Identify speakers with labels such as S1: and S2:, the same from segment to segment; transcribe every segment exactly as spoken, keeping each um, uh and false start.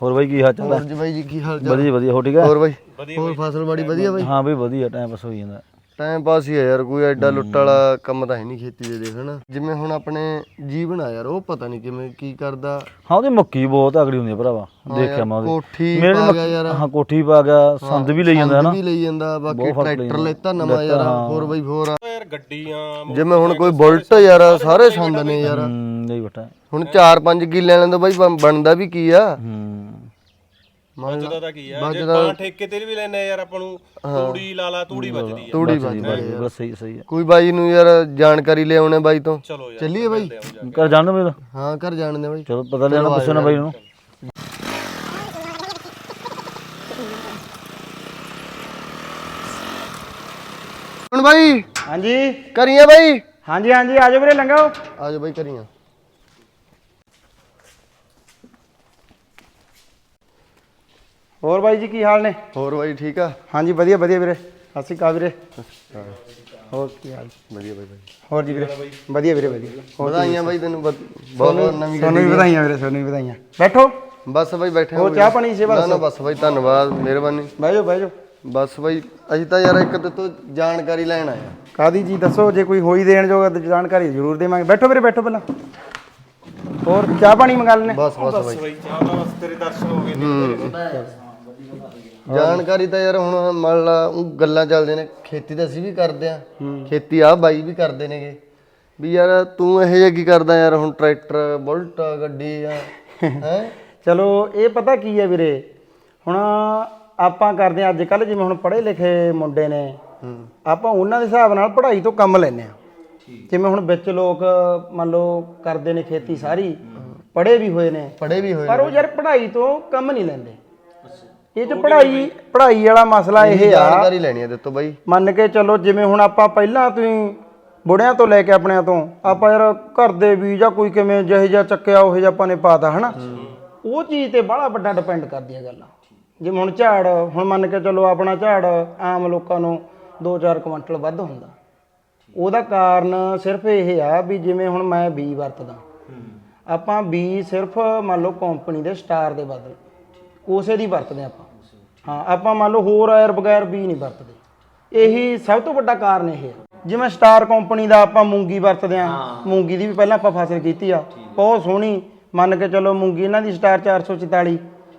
S1: ਹੋਰ ਬਾਈ ਕੀ ਹਾਲ ਚਾਲ ਹੈ?
S2: ਹੋਰ ਜੀ ਬਾਈ ਜੀ ਕੀ ਹਾਲ ਚਾਲ?
S1: ਵਧੀਆ ਵਧੀਆ ਹੋ ਠੀਕ ਹੈ?
S2: ਹੋਰ ਬਾਈ ਹੋਰ ਫਸਲ ਬਾੜੀ ਵਧੀਆ ਬਾਈ?
S1: ਹਾਂ ਬਈ ਵਧੀਆ ਟਾਈਮ ਪਾਸ ਹੋਈ ਜਾਂਦਾ।
S2: ਟਾਈਮ ਪਾਸ ਹੀ ਆ ਯਾਰ, ਕੋਈ ਐਡਾ ਲੁੱਟ ਵਾਲਾ ਕੰਮ ਤਾਂ ਹੈ ਨਹੀਂ ਖੇਤੀ ਦੇ ਦੇਖ ਹਨਾ। ਜਿਵੇਂ ਹੁਣ ਆਪਣੇ ਜੀਵਨ ਆ ਯਾਰ, ਉਹ ਪਤਾ ਨਹੀਂ ਕਿਵੇਂ ਕੀ ਕਰਦਾ।
S1: ਹਾਂ ਉਹਦੀ ਮੱਕੀ ਬਹੁਤ ਤਗੜੀ ਹੁੰਦੀ ਆ ਭਰਾਵਾ, ਦੇਖਿਆ ਮੈਂ ਉਹਦੀ
S2: ਕੋਠੀ
S1: ਮੇਰੇ
S2: ਪਾ ਗਿਆ ਯਾਰ।
S1: ਹਾਂ ਕੋਠੀ ਪਾ ਗਿਆ, ਸੰਦ ਵੀ ਲਈ ਜਾਂਦਾ ਹੈ ਨਾ,
S2: ਸੰਦ ਵੀ ਲਈ ਜਾਂਦਾ। ਬਾਕੀ ਟਰੈਕਟਰ ਲੈਤਾ ਨਵਾਂ ਯਾਰ ਫੋਰ ਬਾਈ ਫੋਰ ਯਾਰ, ਗੱਡੀਆਂ ਜਿਵੇਂ ਹੁਣ ਕੋਈ ਬੁਲਟ ਯਾਰ, ਸਾਰੇ ਸੰਦ ਨੇ ਯਾਰ।
S1: ਹੂੰ ਨਹੀਂ ਬਟਾ
S2: ਹੁਣ ਚਾਰ ਪੰਜ ਕਿੱਲੇ ਵਾਲਿਆਂ ਤੋਂ ਬਾਈ ਬਣਦਾ ਵੀ ਕੀ ਆ।
S1: ਹੂੰ
S3: ਬਚਦਾ ਤਾਂ ਕੀ ਆ, ਜੇ ਬਾਂ ਠੇਕੇ ਤੇ ਵੀ ਲੈਣੇ ਯਾਰ ਆਪਾਂ ਨੂੰ ਤੂੜੀ ਲਾ ਲਾ, ਤੂੜੀ ਬਚਦੀ ਆ।
S2: ਤੂੜੀ ਬਚਦੀ
S1: ਬਸ ਸਹੀ ਸਹੀ ਹੈ।
S2: ਕੋਈ ਬਾਈ ਨੂੰ ਯਾਰ ਜਾਣਕਾਰੀ ਲਿਆਉਣੇ ਬਾਈ ਤੋਂ,
S3: ਚਲੋ ਯਾਰ
S2: ਚੱਲੀਏ ਬਾਈ।
S1: ਕਰ ਜਾਣ ਬਈ,
S2: ਹਾਂ ਘਰ ਜਾਣਦੇ ਬਾਈ,
S1: ਚਲੋ ਪਤਾ ਲੈਣਾ ਪੁੱਛੋ ਨਾ ਬਾਈ ਨੂੰ।
S2: ਹੁਣ ਬਾਈ
S4: ਹਾਂਜੀ
S2: ਕਰੀਏ ਬਾਈ।
S4: ਹਾਂਜੀ ਹਾਂਜੀ ਆਜੋ ਵੀਰੇ, ਲੰਘਾਓ।
S2: ਆਜੋ ਬਾਈ ਕਰੀਆਂ।
S4: ਹੋਰ ਬਾਈ ਜੀ ਕੀ ਹਾਲ ਨੇ?
S2: ਹੋਰ ਬਾਈ ਠੀਕ ਆ?
S4: ਹਾਂਜੀ ਵਧੀਆ ਵਧੀਆ ਵੀਰੇ, ਸਤਿ ਸ਼੍ਰੀ ਅਕਾਲ ਵੀਰੇ। ਹੋਰ ਕੀ ਹਾਲ?
S2: ਵਧੀਆ ਬਾਈ ਬਾਈ।
S4: ਹੋਰ ਜੀ ਵੀਰੇ ਵਧੀਆ ਵੀਰੇ ਵਧੀਆ।
S2: ਵਧਾਈਆਂ ਬਾਈ ਤੈਨੂੰ, ਬਹੁਤ ਬਹੁਤ ਨਵੀਂ
S4: ਤੁਹਾਨੂੰ ਵੀ ਵਧਾਈਆਂ ਵੀਰੇ, ਤੁਹਾਨੂੰ ਵੀ ਵਧਾਈਆਂ। ਬੈਠੋ।
S2: ਬਸ ਬਾਈ ਬੈਠੇ
S4: ਹੋਰ ਚਾਹ ਪਾਣੀ ਸੇਵਾ?
S2: ਨਾ ਨਾ ਬਸ ਬਾਈ ਧੰਨਵਾਦ, ਮਿਹਰਬਾਨੀ।
S4: ਬਹਿ ਜਾਓ ਬਹਿ ਜਾਓ।
S2: ਬਸ ਬਾਈ ਅਸੀਂ ਤਾਂ ਯਾਰ ਇੱਕ ਤੇ ਤੋਂ ਜਾਣਕਾਰੀ ਲੈਣ ਆਏ ਆ।
S4: ਕਾਦੀ ਜੀ ਦੱਸੋ, ਜੇ ਕੋਈ ਹੋਈ ਦੇਣ ਜੋਗਾ ਤਾਂ ਜਾਣਕਾਰੀ ਜ਼ਰੂਰ ਦੇਵਾਂਗੇ। ਬੈਠੋ ਵੀਰੇ ਬੈਠੋ ਪਹਿਲਾਂ। ਹੋਰ ਚਾਹ ਪਾਣੀ ਮੰਗਾ ਲੈਣੇ?
S2: ਬਸ ਬਸ ਬਾਈ
S3: ਬਈ ਚਾਹ ਦਾ ਬਸ ਤੇਰੇ ਦਰਸ਼ਨ ਹੋ ਗਏ ਨੇ।
S2: ਜਾਣਕਾਰੀ ਤਾਂ ਯਾਰ ਹੁਣ ਮੰਨ ਲਾ ਉਹ ਗੱਲਾਂ ਚੱਲਦੇ ਨੇ, ਖੇਤੀ ਤਾਂ ਅਸੀਂ ਵੀ ਕਰਦੇ ਆ, ਖੇਤੀ ਆ ਬਾਈ ਵੀ ਕਰਦੇ ਨੇਗੇ ਵੀ। ਯਾਰ ਤੂੰ ਇਹੋ ਜਿਹਾ ਕੀ ਕਰਦਾ ਯਾਰ? ਹੁਣ ਟਰੈਕਟਰ ਬੁਲਟ ਗੱਡੀ ਆ ਹੈ।
S4: ਚਲੋ ਇਹ ਪਤਾ ਕੀ ਹੈ ਵੀਰੇ, ਹੁਣ ਆਪਾਂ ਕਰਦੇ ਹਾਂ ਅੱਜ ਕੱਲ੍ਹ, ਜਿਵੇਂ ਹੁਣ ਪੜ੍ਹੇ ਲਿਖੇ ਮੁੰਡੇ ਨੇ, ਆਪਾਂ ਉਹਨਾਂ ਦੇ ਹਿਸਾਬ ਨਾਲ ਪੜ੍ਹਾਈ ਤੋਂ ਕੰਮ ਲੈਂਦੇ ਹਾਂ। ਜਿਵੇਂ ਹੁਣ ਵਿੱਚ ਲੋਕ ਮੰਨ ਲਓ ਕਰਦੇ ਨੇ ਖੇਤੀ ਸਾਰੀ, ਪੜ੍ਹੇ ਵੀ ਹੋਏ ਨੇ,
S2: ਪੜ੍ਹੇ ਵੀ ਹੋਏ,
S4: ਪਰ ਉਹ ਯਾਰ ਪੜ੍ਹਾਈ ਤੋਂ ਕੰਮ ਨਹੀਂ ਲੈਂਦੇ। ਇਹ ਚ ਪੜ੍ਹਾਈ ਪੜ੍ਹਾਈ ਵਾਲਾ ਮਸਲਾ ਇਹ ਆ,
S2: ਜਾਣਕਾਰੀ ਲੈਣੀ ਹੈ ਦਿੱਤੋ ਬਾਈ।
S4: ਮੰਨ ਕੇ ਚਲੋ ਜਿਵੇਂ ਹੁਣ ਆਪਾਂ ਪਹਿਲਾਂ ਤੁਸੀਂ ਬੁੜਿਆਂ ਤੋਂ ਲੈ ਕੇ ਆਪਣਿਆਂ ਤੋਂ ਆਪਾਂ ਯਾਰ ਘਰ ਦੇ ਵੀ ਜਾਂ ਕੋਈ ਕਿਵੇਂ ਜਿਹੇ ਜਿਹਾ ਚੱਕਿਆ ਉਹ ਜਿਹਾ ਆਪਾਂ ਨੇ ਪਾਤਾ ਹਨਾ, ਉਹ ਚੀਜ਼ ਤੇ ਬੜਾ ਵੱਡਾ ਡਿਪੈਂਡ ਕਰਦੀ ਹੈ ਗੱਲ। ਜਿਵੇਂ ਹੁਣ ਝਾੜ, ਹੁਣ ਮੰਨ ਕੇ ਚਲੋ ਆਪਣਾ ਝਾੜ ਆਮ ਲੋਕਾਂ ਨੂੰ ਦੋ ਚਾਰ ਕੁਇੰਟਲ ਵੱਧ ਹੁੰਦਾ, ਉਹਦਾ ਕਾਰਨ ਸਿਰਫ ਇਹ ਆ ਵੀ ਜਿਵੇਂ ਹੁਣ ਮੈਂ ਬੀ ਵਰਤਦਾ, ਆਪਾਂ ਬੀ ਸਿਰਫ ਮੰਨ ਲਓ ਕੰਪਨੀ ਦੇ ਸਟਾਰ ਦੇ ਬਦਲ ਉਸੇ ਦੀ ਵਰਤਦੇ ਆਪਾਂ। ਹਾਂ ਆਪਾਂ ਮੰਨ ਲਓ ਹੋਰ ਐਰ ਬਗੈਰ ਬੀ ਨਹੀਂ ਵਰਤਦੇ। ਇਹੀ ਸਭ ਤੋਂ ਵੱਡਾ ਕਾਰਨ ਇਹ ਹੈ। ਜਿਵੇਂ ਸਟਾਰ ਕੰਪਨੀ ਦਾ ਆਪਾਂ ਮੂੰਗੀ ਵਰਤਦੇ ਹਾਂ, ਮੂੰਗੀ ਦੀ ਵੀ ਪਹਿਲਾਂ ਆਪਾਂ ਫਸਲ ਕੀਤੀ ਆ, ਬਹੁਤ ਸੋਹਣੀ। ਮੰਨ ਕੇ ਚਲੋ ਮੂੰਗੀ ਇਹਨਾਂ ਦੀ ਸਟਾਰ ਚਾਰ ਸੌ ਚੁਤਾਲੀ,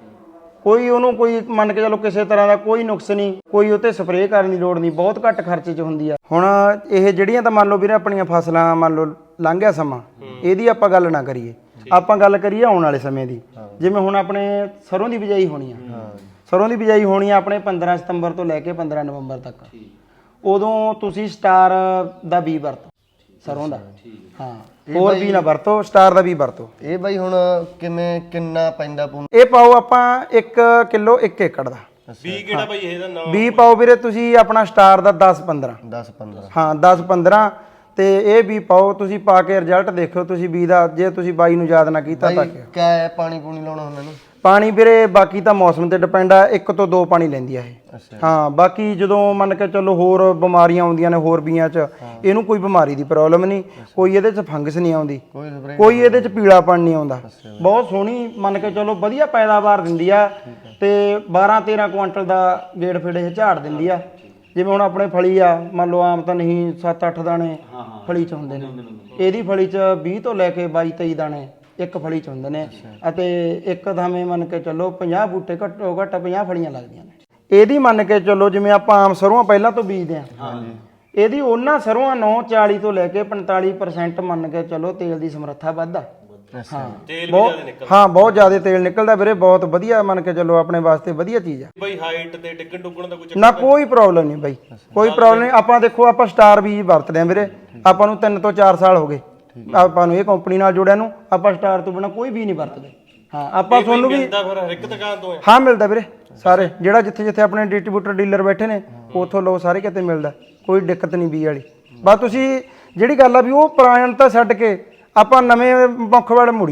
S4: ਕੋਈ ਉਹਨੂੰ ਕੋਈ ਮੰਨ ਕੇ ਚਲੋ ਕਿਸੇ ਤਰ੍ਹਾਂ ਦਾ ਕੋਈ ਨੁਕਸ ਨਹੀਂ, ਕੋਈ ਉਹ 'ਤੇ ਸਪਰੇਅ ਕਰਨ ਦੀ ਲੋੜ ਨਹੀਂ, ਬਹੁਤ ਘੱਟ ਖਰਚੇ 'ਚ ਹੁੰਦੀ ਆ। ਹੁਣ ਇਹ ਜਿਹੜੀਆਂ ਤਾਂ ਮੰਨ ਲਓ ਵੀਰੇ ਆਪਣੀਆਂ ਫਸਲਾਂ ਮੰਨ ਲਓ ਲੰਘ ਗਿਆ ਸਮਾਂ, ਇਹਦੀ ਆਪਾਂ ਗੱਲ ਨਾ ਕਰੀਏ, ਆਪਾਂ ਗੱਲ ਕਰੀਏ ਆਉਣ ਵਾਲੇ ਸਮੇਂ ਦੀ। ਜਿਵੇਂ ਹੁਣ ਆਪਣੇ ਸਰੋਂ ਦੀ ਬਿਜਾਈ ਹੋਣੀ ਆ, ਸਰੋਂ ਦੀ ਬਿਜਾਈ ਹੋਣੀ ਆ ਆਪਣੇ ਪੰਦਰਾਂ ਸਤੰਬਰ ਤੋਂ ਲੈ ਕੇ ਪੰਦਰਾਂ ਨਵੰਬਰ ਤੱਕ। ਉਦੋਂ ਤੁਸੀਂ ਸਟਾਰ ਦਾ ਬੀ ਵਰਤੋ ਸਰੋਂ ਦਾ, ਹਾਂ ਹੋਰ ਬੀ ਨਾ ਵਰਤੋ, ਸਟਾਰ ਦਾ ਬੀ ਵਰਤੋ।
S2: ਇਹ ਬਾਈ ਹੁਣ ਕਿਵੇਂ ਕਿੰਨਾ ਪੈਂਦਾ ਪੂੰ?
S4: ਇਹ ਪਾਓ ਆਪਾਂ ਇੱਕ ਕਿਲੋ ਇੱਕ ਏਕੜ ਦਾ।
S3: ਬੀ ਕਿਹੜਾ ਬਾਈ ਇਹਦਾ ਨਾਮ?
S4: ਬੀ ਪਾਓ ਵੀਰੇ ਤੁਸੀਂ ਆਪਣਾ ਸਟਾਰ ਦਾ ਦਸ ਪੰਦਰਾਂ।
S2: ਦਸ ਪੰਦਰਾਂ,
S4: ਹਾਂ ਦਸ ਪੰਦਰਾਂ। ਤੇ ਇਹ ਵੀ ਪਾਓ, ਤੁਸੀਂ ਪਾ ਕੇ ਰਿਜ਼ਲਟ ਦੇਖਿਓ ਤੁਸੀਂ ਬੀ ਦਾ, ਜੇ ਤੁਸੀਂ ਬਾਈ ਨੂੰ ਯਾਦ ਨਾ ਕੀਤਾ ਤਾਂ
S2: ਕਿਆ ਪਾਣੀ ਪੂਣੀ ਲਾਉਣਾ ਹੁੰਦਾ ਇਹਨੂੰ?
S4: ਪਾਣੀ ਵੀਰੇ ਬਾਕੀ ਤਾਂ ਮੌਸਮ ਤੇ ਡਿਪੈਂਡ ਆ, ਇੱਕ ਤੋਂ ਦੋ ਪਾਣੀ ਲੈਂਦੀ ਆ ਇਹ। ਹਾਂ ਬਾਕੀ ਜਦੋਂ ਮੰਨ ਕੇ ਚਲੋ ਹੋਰ ਬਿਮਾਰੀਆਂ ਆਉਂਦੀਆਂ ਨੇ ਹੋਰ ਬੀਆਂ 'ਚ, ਇਹਨੂੰ ਕੋਈ ਬਿਮਾਰੀ ਦੀ ਪ੍ਰੋਬਲਮ ਨਹੀਂ, ਕੋਈ ਇਹਦੇ 'ਚ ਫੰਗਸ ਨਹੀਂ ਆਉਂਦੀ, ਕੋਈ ਇਹਦੇ 'ਚ ਪੀਲਾਪਣ ਨਹੀਂ ਆਉਂਦਾ। ਬਹੁਤ ਸੋਹਣੀ ਮੰਨ ਕੇ ਚਲੋ ਵਧੀਆ ਪੈਦਾਵਾਰ ਦਿੰਦੀ ਆ, ਤੇ ਬਾਰਾਂ ਤੇਰਾਂ ਕੁਇੰਟਲ ਦਾ ਗੇੜ ਫੇੜ ਇਹ ਝਾੜ ਦਿੰਦੀ ਆ। ਜਿਵੇਂ ਹੁਣ ਆਪਣੇ ਫਲੀ ਆ, ਮੰਨ ਲਓ ਆਮ ਤਾਂ ਨਹੀਂ ਸੱਤ ਅੱਠ ਦਾਣੇ ਫਲੀ 'ਚ ਹੁੰਦੇ ਨੇ, ਇਹਦੀ ਫਲੀ 'ਚ ਵੀਹ ਤੋਂ ਲੈ ਕੇ ਬਾਈ ਤੇਈ ਦਾਣੇ ਇੱਕ ਫਲੀ 'ਚ ਹੁੰਦੇ ਨੇ, ਅਤੇ ਇੱਕ ਥਾਵੇਂ ਮੰਨ ਕੇ ਚੱਲੋ ਪੰਜਾਹ ਬੂਟੇ ਘੱਟੋ ਘੱਟ ਪੰਜਾਹ ਫਲੀਆਂ ਲੱਗਦੀਆਂ ਨੇ ਇਹਦੀ। ਮੰਨ ਕੇ ਚੱਲੋ ਜਿਵੇਂ ਆਪਾਂ ਆਮ ਸਰੋਂ ਪਹਿਲਾਂ ਤੋਂ ਬੀਜਦੇ ਹਾਂ, ਇਹਦੀ ਉਹਨਾਂ ਸਰੋਂ ਨੌ ਚਾਲੀ ਤੋਂ ਲੈ ਕੇ ਪੰਤਾਲੀ ਪਰਸੈਂਟ ਮੰਨ ਕੇ ਚੱਲੋ ਤੇਲ ਦੀ ਸਮਰੱਥਾ ਵੱਧਦਾ। ਹਾਂ ਬਹੁਤ, ਹਾਂ ਬਹੁਤ ਜ਼ਿਆਦਾ ਤੇਲ ਨਿਕਲਦਾ ਵੀਰੇ, ਬਹੁਤ ਵਧੀਆ ਮੰਨ ਕੇ ਚੱਲੋ ਆਪਣੇ ਵਾਸਤੇ ਵਧੀਆ ਚੀਜ਼ ਆ।
S3: ਬਾਈ ਹਾਈਟ ਤੇ ਟਿਕਣ ਟੁਕਣ ਦਾ ਕੁਝ
S4: ਨਾ ਕੋਈ ਪ੍ਰੋਬਲਮ ਨਹੀਂ ਬਾਈ, ਕੋਈ ਪ੍ਰੋਬਲਮ ਨਹੀਂ। ਆਪਾਂ ਦੇਖੋ ਆਪਾਂ ਸਟਾਰ ਬੀਜ ਵਰਤਦੇ ਆ ਵੀਰੇ, ਆਪਾਂ ਨੂੰ ਤਿੰਨ ਤੋਂ ਚਾਰ ਸਾਲ ਹੋ ਗਏ ਆਪਾਂ ਨੂੰ ਇਹ ਕੰਪਨੀ ਨਾਲ ਜੁੜਿਆ ਨੂੰ, ਆਪਾਂ ਸਟਾਰ ਤੋਂ ਬਿਨਾਂ ਕੋਈ ਵੀ ਨਹੀਂ ਵਰਤਦੇ। ਹਾਂ ਆਪਾਂ ਤੁਹਾਨੂੰ ਵੀ
S3: ਮਿਲਦਾ ਫਿਰ ਹਰ ਇੱਕ ਦੁਕਾਨ ਤੋਂ?
S4: ਹਾਂ ਮਿਲਦਾ ਵੀਰੇ, ਸਾਰੇ ਜਿਹੜਾ ਜਿੱਥੇ ਜਿੱਥੇ ਆਪਣੇ ਡਿਸਟ੍ਰੀਬਿਊਟਰ ਡੀਲਰ ਬੈਠੇ ਨੇ ਉੱਥੋਂ ਲਓ, ਸਾਰੇ ਕਿਤੇ ਮਿਲਦਾ, ਕੋਈ ਦਿੱਕਤ ਨਹੀਂ ਬੀ ਵਾਲੀ। ਬਸ ਤੁਸੀਂ ਜਿਹੜੀ ਗੱਲ ਆ ਵੀ ਉਹ ਪੁਰਾਣ ਤਾਂ ਛੱਡ ਕੇ ਆਪਾਂ ਨਵੇਂ ਮੁੱਖ ਵੱਲ ਮੁੜੀਏ,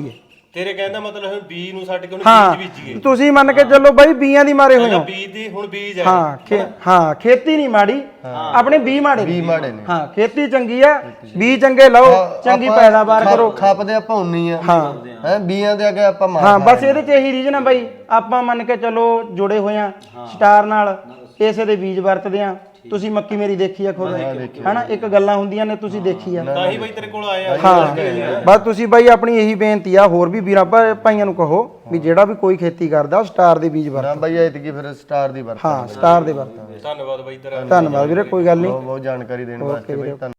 S3: ਤੇਰੇ ਕਹਿੰਦਾ ਮਤਲਬ ਹੁਣ ਬੀਜ ਨੂੰ ਛੱਡ ਕੇ ਹੁਣ
S4: ਹਾਂ
S3: ਬੀਜ ਬੀਜੀਏ
S4: ਤੁਸੀਂ ਮੰਨ ਕੇ ਚੱਲੋ ਬਾਈ ਬੀਆਂ ਦੀ ਮਾਰੇ ਹੋਏ ਹੋ
S3: ਬੀਜ ਦੀ ਹੁਣ ਬੀਜ ਹੈ
S4: ਹਾਂ ਖੇ- ਹਾਂ ਖੇਤੀ ਨਹੀਂ ਮਾੜੀ ਆਪਣੇ ਬੀ ਮਾੜੇ ਨੇ।
S2: ਵੀ ਮਾੜੇ ਨੇ
S4: ਹਾਂ ਖੇਤੀ ਚੰਗੀ ਆ ਬੀ ਚੰਗੇ ਲਾਓ ਚੰਗੀ ਪੈਦਾਵਾਰ ਕਰੋ
S2: ਖਾਪਦੇ ਆਪਾਂ ਉਨੀ ਆ
S4: ਹਾਂ
S2: ਹੈ ਬੀਆਂ ਦੇ ਅੱਗੇ ਆਪਾਂ ਮਾਰ
S4: ਹਾਂ ਬਸ ਇਹਦੇ ਚ ਇਹੀ ਰੀਜਨ ਆ ਬਾਈ ਆਪਾਂ ਮੰਨ ਕੇ ਚਲੋ ਜੁੜੇ ਹੋਏ ਆ ਸਟਾਰ ਨਾਲ ਇਸੇ ਦੇ ਬੀਜ ਵਰਤਦੇ ਆ ਤੁਸੀਂ ਮੱਕੀ ਮੇਰੀ ਦੇਖੀ ਆ ਖੁਦ ਹਨਾ ਇੱਕ ਗੱਲਾਂ ਹੁੰਦੀਆਂ ਨੇ ਤੁਸੀਂ ਦੇਖੀ ਆ
S3: ਤਾਂ ਹੀ ਬਾਈ ਤੇਰੇ ਕੋਲ ਆਏ ਆ
S4: ਹਾਂ ਬਸ ਤੁਸੀਂ ਬਾਈ ਆਪਣੀ ਇਹੀ ਬੇਨਤੀ ਆ ਹੋਰ ਵੀ ਵੀਰਾਂ ਭਾ- ਭਾਈਆਂ ਨੂੰ ਕਹੋ ਵੀ ਜਿਹੜਾ ਵੀ ਕੋਈ ਖੇਤੀ ਕਰਦਾ ਉਹ ਸਟਾਰ ਦੇ ਬੀਜ ਵਰਤ
S2: ਨਾ ਬਾਈ ਐਤਕੀ ਫਿਰ ਸਟਾਰ ਦੀ ਵਰਤ
S4: ਹਾਂ ਸਟਾਰ ਦੇ ਵਰਤ
S3: ਧੰਨਵਾਦ ਬਾਈ ਤੇਰਾ
S4: ਧੰਨਵਾਦ ਵੀਰੇ ਕੋਈ ਗੱਲ ਨਹੀਂ
S2: ਬਹੁਤ ਬਹੁਤ ਜਾਣਕਾਰੀ ਦੇਣ ਵਾਸਤੇ ਬਾਈ ਧੰਨਵਾਦ।